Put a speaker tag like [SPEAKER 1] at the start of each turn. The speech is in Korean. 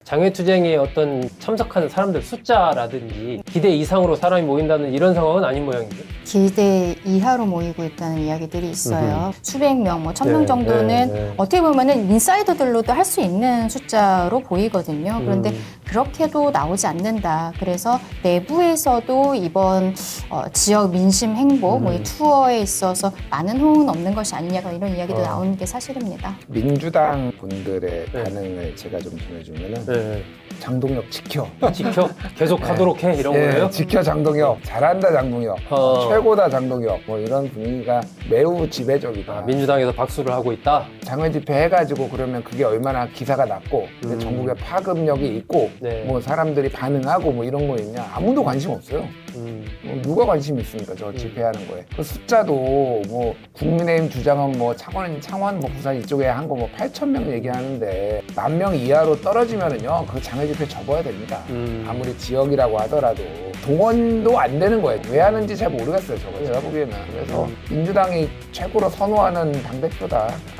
[SPEAKER 1] 장외투쟁에 어떤 참석하는 사람들 숫자라든지 기대 이상으로 사람이 모인다는 이런 상황은 아닌 모양이죠.
[SPEAKER 2] 기대 이하로 모이고 있다는 이야기들이 있어요. 수백 명, 뭐 1000명
[SPEAKER 1] 네,
[SPEAKER 2] 정도는
[SPEAKER 1] 네.
[SPEAKER 2] 어떻게 보면은 인사이더들로도 할 수 있는 숫자로 보이거든요. 그런데 그렇게도 나오지 않는다. 그래서 내부에서도 이번 지역 민심 행보, 뭐 이 투어에 있어서 많은 호응은 없는 것이 아니냐 이런 이야기도 나오는 게 사실입니다.
[SPEAKER 3] 민주당 분들의
[SPEAKER 1] 네.
[SPEAKER 3] 반응을 제가 좀 전해주면은
[SPEAKER 1] 네.
[SPEAKER 3] 장동혁 지켜.
[SPEAKER 1] 지켜 계속 하도록 해 이런
[SPEAKER 3] 예,
[SPEAKER 1] 거예요?
[SPEAKER 3] 지켜 장동혁. 잘한다 장동혁. 최고다 장동혁. 뭐 이런 분위기가 매우 지배적이다.
[SPEAKER 1] 아, 민주당에서 박수를 하고 있다.
[SPEAKER 3] 장외 집회 해가지고 그러면 그게 얼마나 기사가 났고 근데 전국에 파급력이 있고
[SPEAKER 1] 네.
[SPEAKER 3] 뭐 사람들이 반응하고 뭐 이런 거 있냐 아무도 관심 없어요. 뭐 누가 관심 있습니까 저 집회하는 거에. 그 숫자도 뭐 국민의힘 주장은 뭐 창원 뭐 부산 이쪽에 한 거 뭐 8,000명 얘기하는데 10,000명 이하로 떨어지면은요 그 장외 집회 접어야 됩니다. 아무리 지역이라고 하더라도 동원도 안 되는 거예요. 왜 하는지 잘 모르겠어요 저거 제가 보기에는. 그래서 민주당이 최고로 선호하는 당대표다.